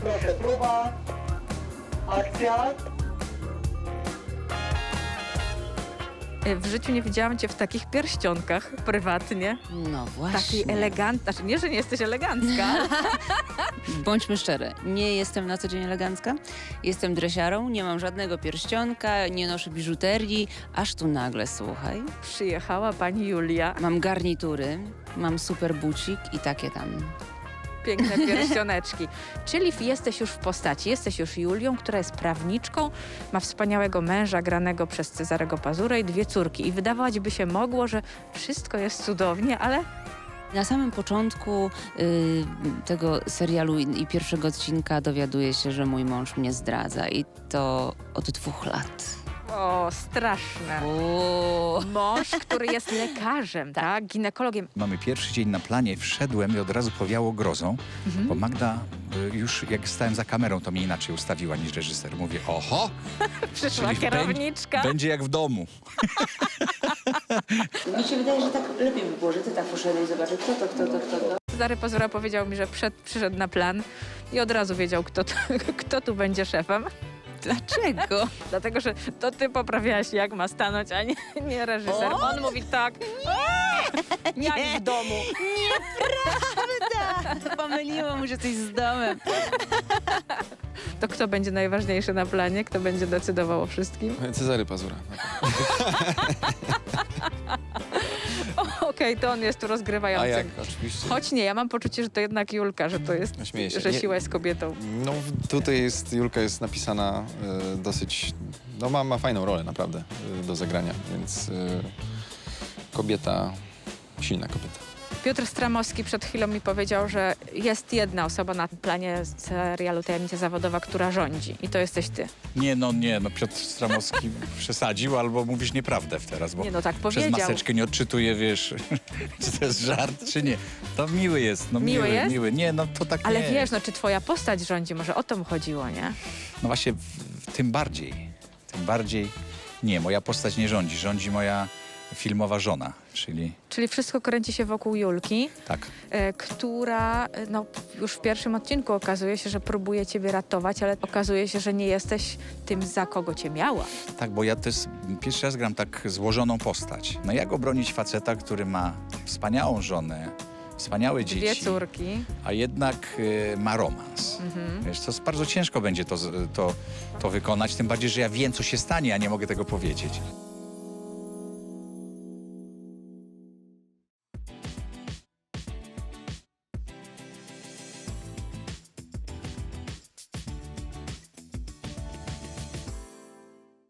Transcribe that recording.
proszę, próba, akcja. W życiu nie widziałam cię w takich pierścionkach prywatnie. No właśnie. Takiej eleganckiej. Znaczy nie, że nie jesteś elegancka. Bądźmy szczere, nie jestem na co dzień elegancka. Jestem dresiarą, nie mam żadnego pierścionka, nie noszę biżuterii. Aż tu nagle, słuchaj, Przyjechała pani Julia. mam garnitury, mam super bucik i takie tam. Piękne pierścioneczki. Czyli jesteś już w postaci. Jesteś już Julią, która jest prawniczką, ma wspaniałego męża granego przez Cezarego Pazurę i 2 córki. I wydawać by się mogło, że wszystko jest cudownie, ale Na samym początku tego serialu i pierwszego odcinka dowiaduję się, że mój mąż mnie zdradza i to od 2 lat. o, straszne. O, Mąż, który jest lekarzem, tak? Ginekologiem. Mamy pierwszy dzień na planie, wszedłem i od razu powiało grozą, bo Magda już jak stałem za kamerą, to mnie inaczej ustawiła niż reżyser. Mówię, oho, Przyszła czyli kierowniczka. będzie jak w domu. mi się wydaje, że tak lepiej by było, że ty tak poszedłeś zobaczyć, kto. Cezary Pazura powiedział mi, że przyszedł na plan i od razu wiedział, kto tu będzie szefem. Dlaczego? Dlatego, że to ty poprawiałaś, jak ma stanąć, a nie reżyser. O! On mówi tak, jak w domu. Pomyliło mu się coś z domem. To kto będzie najważniejszy na planie? Kto będzie decydował o wszystkim? Cezary Pazura. Okej, to on jest tu A rozgrywającym. jak? Oczywiście. Choć nie, ja mam poczucie, że to jednak Julka, że to jest, Śmieję się. że Nie- siła jest kobietą. No tutaj jest, Julka jest napisana dosyć, no ma fajną rolę naprawdę do zagrania, więc kobieta, silna kobieta. Piotr Stramowski przed chwilą mi powiedział, że jest jedna osoba na planie serialu Tajemnica Zawodowa, która rządzi. I to jesteś ty. Nie, no Piotr Stramowski przesadził albo mówisz nieprawdę teraz, bo Nie, no tak przez powiedział. maseczkę nie odczytuję, wiesz, czy to jest żart, czy nie. To miły jest, no Miły jest? miły. Nie, no to tak Ale nie wiesz, jest. no czy twoja postać rządzi? Może o to mu chodziło, nie? No właśnie, tym bardziej nie, moja postać nie rządzi, rządzi moja filmowa żona, czyli Czyli wszystko kręci się wokół Julki, tak. która no, już w pierwszym odcinku okazuje się, że próbuje ciebie ratować, ale okazuje się, że nie jesteś tym, za kogo cię miała. Tak, bo ja to jest, pierwszy raz gram tak złożoną postać. No jak obronić faceta, który ma wspaniałą żonę, wspaniałe 2 dzieci, córki. a jednak ma romans. Wiesz, to bardzo ciężko będzie to wykonać, tym bardziej, że ja wiem, co się stanie, a nie mogę tego powiedzieć.